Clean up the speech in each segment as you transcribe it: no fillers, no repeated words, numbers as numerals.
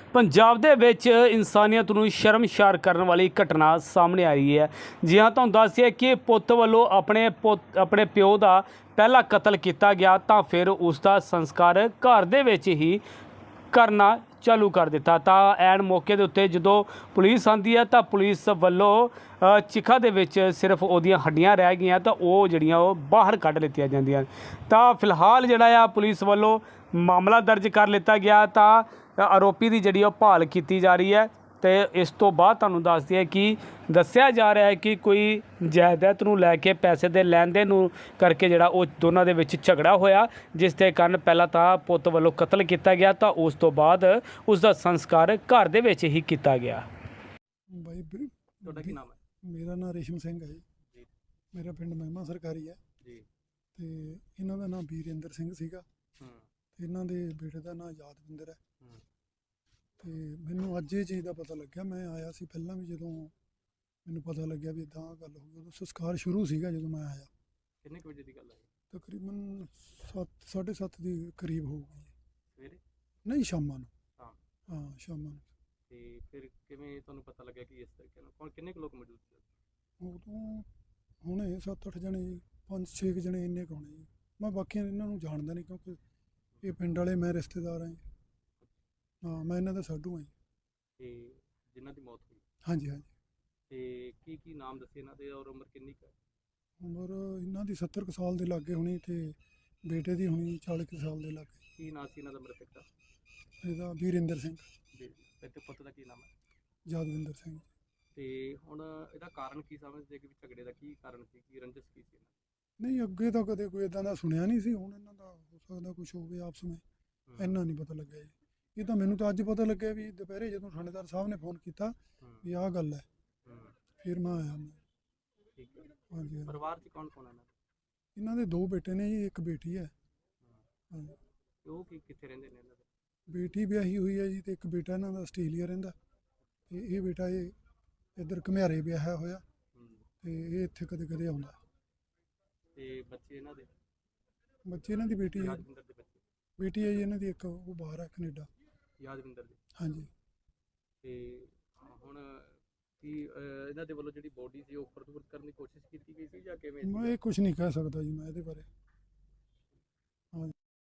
ਪੰਜਾਬ ਦੇ ਵਿੱਚ ਇਨਸਾਨੀਅਤ ਨੂੰ ਸ਼ਰਮਸ਼ਾਰ ਕਰਨ ਵਾਲੀ ਘਟਨਾ ਸਾਹਮਣੇ ਆ ਰਹੀ ਹੈ। ਜੀ ਹਾਂ, ਤੁਹਾਨੂੰ ਦੱਸ ਦਈਏ ਕਿ ਪੁੱਤ ਵੱਲੋਂ ਆਪਣੇ ਪਿਓ ਦਾ ਪਹਿਲਾ ਕਤਲ ਕੀਤਾ ਗਿਆ ਤਾਂ ਫਿਰ ਉਸ ਦਾ ਸੰਸਕਾਰ ਘਰ ਦੇ ਵਿੱਚ ਹੀ ਕਰਨਾ ਚਾਲੂ ਕਰ ਦਿੱਤਾ। ਤਾਂ ਐਨ ਮੌਕੇ ਦੇ ਉੱਤੇ ਜਦੋਂ ਪੁਲਿਸ ਆਉਂਦੀ ਹੈ ਤਾਂ ਪੁਲਿਸ ਵੱਲੋਂ ਚਿਖਾ ਦੇ ਵਿੱਚ ਸਿਰਫ ਉਹਦੀਆਂ ਹੱਡੀਆਂ ਰਹਿ ਗਈਆਂ ਤਾਂ ਉਹ ਜਿਹੜੀਆਂ ਉਹ ਬਾਹਰ ਕੱਢ ਲਿੱਤੀਆਂ ਜਾਂਦੀਆਂ। ਤਾਂ ਫਿਲਹਾਲ ਜਿਹੜਾ ਆ ਪੁਲਿਸ ਵੱਲੋਂ ਮਾਮਲਾ ਦਰਜ ਕਰ ਲਿੱਤਾ ਗਿਆ ਤਾਂ ਆਰੋਪੀ ਦੀ ਜਿਹੜੀ ਉਹ ਭਾਲ ਕੀਤੀ ਜਾ ਰਹੀ ਹੈ। ਤੇ ਇਸ ਤੋਂ ਬਾਅਦ ਤੁਹਾਨੂੰ ਦੱਸ ਦਈਏ ਕਿ ਦੱਸਿਆ ਜਾ ਰਿਹਾ ਹੈ ਕਿ ਕੋਈ ਜਾਇਦਾਦ ਨੂੰ ਲੈ ਕੇ ਪੈਸੇ ਦੇ ਲੈਣ ਦੇਣ ਨੂੰ ਕਰਕੇ ਜਿਹੜਾ ਉਹ ਦੋਨਾਂ ਦੇ ਵਿੱਚ ਝਗੜਾ ਹੋਇਆ, ਜਿਸ ਦੇ ਕਾਰਨ ਪਹਿਲਾਂ ਤਾਂ ਪੁੱਤ ਵੱਲੋਂ ਕਤਲ ਕੀਤਾ ਗਿਆ ਤਾਂ ਉਸ ਤੋਂ ਬਾਅਦ ਉਸ ਦਾ ਸੰਸਕਾਰ ਘਰ ਦੇ ਵਿੱਚ ਹੀ ਕੀਤਾ ਗਿਆ। ਬਾਈ ਤੁਹਾਡਾ ਕੀ ਨਾਮ ਹੈ? ਮੇਰਾ ਨਾਮ ਰੇਸ਼ਮ ਸਿੰਘ ਹੈ ਜੀ। ਮੇਰਾ ਪਿੰਡ ਮਹਿਮਾ ਸਰਕਾਰੀ ਹੈ ਜੀ। ਤੇ ਇਹਨਾਂ ਦਾ ਨਾਮ ਵੀਰਿੰਦਰ ਸਿੰਘ ਸੀਗਾ। ਇਹਨਾਂ ਦੇ ਬੇਟੇ ਦਾ ਨਾਮ ਯਾਦਵਿੰਦਰ ਹੈ। ਤੇ ਮੈਨੂੰ ਅੱਜ ਇਹ ਚੀਜ਼ ਦਾ ਪਤਾ ਲੱਗਿਆ। ਮੈਂ ਆਇਆ ਸੀ ਪਹਿਲਾਂ ਵੀ, ਜਦੋਂ ਮੈਨੂੰ ਪਤਾ ਲੱਗਿਆ ਵੀ ਇਦਾਂ ਗੱਲ ਹੋ ਗਈ ਉਦੋਂ ਸੰਸਕਾਰ ਸ਼ੁਰੂ ਸੀਗਾ। ਜਦੋਂ ਮੈਂ ਆਇਆ ਕਿੰਨੇ ਕੁ ਵਜੇ ਦੀ ਗੱਲ ਹੈ? ਤਕਰੀਬਨ 7:30 ਦੇ ਕਰੀਬ ਹੋ ਗਈ। ਸਵੇਰੇ? ਨਹੀਂ, ਸ਼ਾਮਾਂ ਨੂੰ। ਹਾਂ, ਸ਼ਾਮਾਂ ਨੂੰ। ਤੇ ਫਿਰ ਕਿਵੇਂ ਤੁਹਾਨੂੰ ਪਤਾ ਲੱਗਿਆ ਕਿ ਇਸ ਤਰੀਕੇ ਨਾਲ ਕਿੰਨੇ ਕੁ ਲੋਕ ਮੌਜੂਦ ਸੀ? ਉਦੋਂ ਹੁਣੇ 7-8 ਜਣੇ, 5-6 ਜਣੇ ਇੰਨੇ ਕੁ ਹੋਣੇ ਜੀ। ਮੈਂ ਬਾਕੀਆਂ ਇਹਨਾਂ ਨੂੰ ਜਾਣਦਾ ਨਹੀਂ, ਕਿਉਂਕਿ ਇਹ ਪਿੰਡ ਵਾਲੇ, ਮੈਂ ਰਿਸ਼ਤੇਦਾਰ ਹਾਂ। ਹਾਂ, ਮੈਂ ਇਹਨਾਂ ਦਾ ਸਾਡੂ ਹਾਂ। ਤੇ ਜਿਨ੍ਹਾਂ ਦੀ ਮੌਤ ਹੋਈ? ਹਾਂਜੀ ਹਾਂਜੀ। ਤੇ ਕੀ ਨਾਮ ਦੱਸੇ ਇਹਨਾਂ ਦੇ ਔਰ ਉਮਰ ਕਿੰਨੀ ਕੁ ਹੈ? ਉਮਰ ਇਹਨਾਂ ਦੀ 70 ਕੁ ਸਾਲ ਦੇ ਲਾਗੇ ਹੋਣੀ ਤੇ ਬੇਟੇ ਦੀ ਹੋਣੀ 40 ਕੁ ਸਾਲ ਦੇ ਲਾਗੇ। ਕੀ ਨਾਮ ਸੀ ਇਹਨਾਂ ਦਾ ਮ੍ਰਿਤਕ ਦਾ? ਇਹਦਾ ਵੀਰਿੰਦਰ ਸਿੰਘ। ਜੀ। ਤੇ ਪੁੱਤ ਦਾ ਕੀ ਨਾਮ ਹੈ? ਯਾਦਵਿੰਦਰ ਸਿੰਘ। ਤੇ ਹੁਣ ਇਹਦਾ ਕਾਰਨ ਕੀ ਸਮਝਦੇ ਕਿ ਝਗੜੇ ਦਾ ਕੀ ਕਾਰਨ ਸੀ, ਕੀ ਰੰਜਿਸ਼ ਕੀ ਸੀ? ਨਹੀਂ, ਅੱਗੇ ਤਾਂ ਕਦੇ ਕੋਈ ਇਦਾਂ ਦਾ ਸੁਣਿਆ ਨਹੀਂ ਸੀ। ਹੁਣ ਇਹਨਾਂ ਦਾ ਹੋ ਸਕਦਾ ਕੁਝ ਹੋਵੇ ਆਪਸ ਵਿੱਚ, ਇੰਨਾ ਨਹੀਂ ਪਤਾ ਲੱਗਿਆ ਜੀ। ਇਹ ਤਾਂ ਮੈਨੂੰ ਤਾਂ ਅੱਜ ਪਤਾ ਲੱਗਿਆ ਵੀ ਦੁਪਹਿਰੇ ਜਦੋਂ ਥਾਣੇਦਾਰ ਸਾਹਿਬ ਨੇ ਫੋਨ ਕੀਤਾ ਵੀ ਆਹ ਗੱਲ ਹੈ, ਫਿਰ ਮੈਂ ਆਇਆ। ਠੀਕ ਹੈ। ਹਾਂਜੀ। ਪਰਿਵਾਰ 'ਚ ਕੌਣ ਕੌਣ ਹੈ? ਇਹਨਾਂ ਦੇ 2 ਬੇਟੇ ਨੇ ਜੀ, ਇੱਕ ਬੇਟੀ ਹੈ। ਹਾਂਜੀ। ਉਹ ਕਿੱਥੇ ਰਹਿੰਦੇ ਨੇ ਇਹਨਾਂ ਦੇ? ਬੇਟੀ ਵਿਆਹੀ ਹੋਈ ਹੈ ਜੀ, ਤੇ ਇੱਕ ਬੇਟਾ ਇਹਨਾਂ ਦਾ ਆਸਟ੍ਰੇਲੀਆ ਰਹਿੰਦਾ। ਤੇ ਇਹ ਬੇਟਾ ਇਹ ਇੱਧਰ ਘੁਮਿਆਰੇ ਵਿਆਹਿਆ ਹੋਇਆ ਤੇ ਇਹ ਇੱਥੇ ਕਦੇ ਕਦੇ ਆਉਂਦਾ। ਤੇ ਬੱਚੇ ਇਹਨਾਂ ਦੇ? ਬੱਚੇ ਇਹਨਾਂ ਦੀ ਬੇਟੀ ਹੈ। ਯਾਦਵਿੰਦਰ ਦੇ ਬੱਚੇ? ਬੇਟੀ ਹੈ ਜੀ ਇਹਨਾਂ ਦੀ ਇੱਕ, ਉਹ ਬਾਹਰ ਹੈ ਕੈਨੇਡਾ। ਯਾਦਵਿੰਦਰ ਦੇ? ਹਾਂਜੀ। ਤੇ ਹੁਣ ਕੀ ਇਹਨਾਂ ਦੇ ਵੱਲੋਂ ਜਿਹੜੀ ਬੋਡੀ ਸੀ ਉਹ ਫਰਦੂਰ ਕਰਨ ਦੀ ਕੋਸ਼ਿਸ਼ ਕੀਤੀ ਗਈ ਸੀ ਜਾਂ ਕਿਵੇਂ? ਮੈਂ ਇਹ ਕੁਝ ਨਹੀਂ ਕਹਿ ਸਕਦਾ ਜੀ ਮੈਂ ਇਹਦੇ ਬਾਰੇ। ਹਾਂਜੀ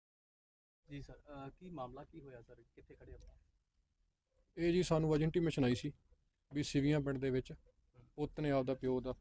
ਜੀ ਸਰ, ਕੀ ਮਾਮਲਾ ਕੀ ਹੋਇਆ ਸਰ, ਕਿੱਥੇ ਖੜੇ ਆਪਾਂ? ਇਹ ਜੀ ਸਾਨੂੰ ਅੱਜ ਇੰਟੀਮੇਸ਼ਨ ਆਈ ਸੀ ਵੀ ਸਿਵੀਆਂ ਪਿੰਡ ਦੇ ਵਿੱਚ ਪੁੱਤ ਨੇ ਆਪਦੇ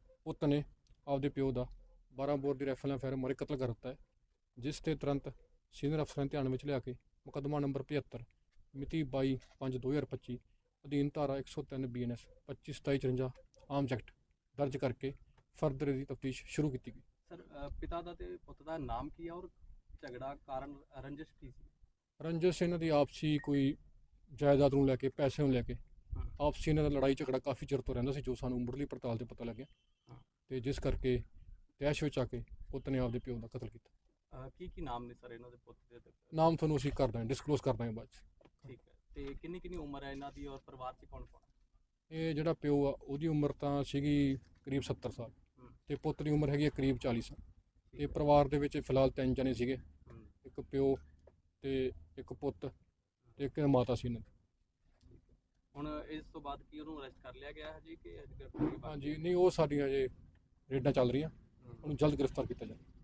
ਪਿਓ ਦਾ 12 ਬੋਰ ਦੀ ਰਾਈਫਲ ਨਾਲ ਫਾਇਰ ਮਾਰੇ ਕਤਲ ਕਰ ਦਿੱਤਾ ਹੈ, ਜਿਸ ਤੇ ਤੁਰੰਤ ਸੀਨੀਅਰ ਅਫਸਰਾਂ ਧਿਆਨ ਵਿੱਚ ਲਿਆ ਕੇ ਮੁਕੱਦਮਾ ਨੰਬਰ 75 ਮਿਤੀ 22/5/2025 ਅਧੀਨ ਧਾਰਾ 103 BNS 25/27/54 ਆਰਮਜ਼ ਐਕਟ ਦਰਜ ਕਰਕੇ ਫਰਦਰ ਦੀ ਤਫਤੀਸ਼ ਸ਼ੁਰੂ ਕੀਤੀ ਗਈ। ਸਰ, ਪਿਤਾ ਦਾ ਤੇ ਪੁੱਤ ਦਾ ਨਾਮ ਕੀ ਹੈ ਔਰ ਝਗੜਾ ਕਾਰਨ ਰੰਜਿਸ਼ ਕੀ ਸੀ? ਰੰਜਿਸ਼ ਇਹਨਾਂ ਦੀ ਆਪਸੀ ਕੋਈ ਜਾਇਦਾਦ ਨੂੰ ਲੈ ਕੇ, ਪੈਸੇ ਨੂੰ ਲੈ ਕੇ ਆਪਸੀ ਇਹਨਾਂ ਦਾ ਲੜਾਈ ਝਗੜਾ ਕਾਫੀ ਚਿਰ ਤੋਂ ਰਹਿੰਦਾ ਸੀ, ਜੋ ਸਾਨੂੰ ਮੁੱਢਲੀ ਪੜਤਾਲ ਤੇ ਪਤਾ ਲੱਗਿਆ। ਤੇ ਜਿਸ ਕਰਕੇ ਤੈਸ਼ ਵਿੱਚ ਆ ਕੇ ਪੁੱਤ ਨੇ ਆਪਦੇ ਪਿਓ ਦਾ ਕਤਲ ਕੀਤਾ। ਕੀ ਨਾਮ ਨੇ ਸਰ ਇਹਨਾਂ ਦੇ ਪੁੱਤ ਦੇ? ਨਾਮ ਤੁਹਾਨੂੰ ਅਸੀਂ ਡਿਸਕਲੋਜ਼ ਕਰ ਦਾਂਗੇ ਬਾਅਦ 'ਚ। ਠੀਕ ਹੈ। ਤੇ ਕਿੰਨੀ ਉਮਰ ਹੈ ਇਹਨਾਂ ਦੀ ਔਰ ਪਰਿਵਾਰ 'ਚ ਕੌਣ ਕੌਣ? ਇਹ ਜਿਹੜਾ ਪਿਓ ਆ ਉਹਦੀ ਉਮਰ ਤਾਂ ਸੀਗੀ ਕਰੀਬ 70 ਸਾਲ ਤੇ ਪੁੱਤ ਦੀ ਉਮਰ ਹੈਗੀ ਹੈ ਕਰੀਬ 40 ਸਾਲ। ਇਹ ਪਰਿਵਾਰ ਦੇ ਵਿੱਚ ਫਿਲਹਾਲ 3 ਜਣੇ ਸੀਗੇ, ਇੱਕ ਪਿਓ ਤੇ ਇੱਕ ਪੁੱਤ ਤੇ ਇੱਕ ਮਾਤਾ ਸੀ ਇਹਨਾਂ ਦੀ। ਹੁਣ ਇਸ ਤੋਂ ਬਾਅਦ ਕੀ ਉਹਨੂੰ ਅਰੈਸਟ ਕਰ ਲਿਆ ਗਿਆ ਹੈ ਜੀ ਕਿ? ਹਾਂਜੀ, ਨਹੀਂ, ਉਹ ਸਾਡੀਆਂ ਜੇ ਰੇਡਾਂ ਚੱਲ ਰਹੀਆਂ, ਉਹਨੂੰ ਜਲਦ ਗ੍ਰਿਫਤਾਰ ਕੀਤਾ ਜਾਵੇ।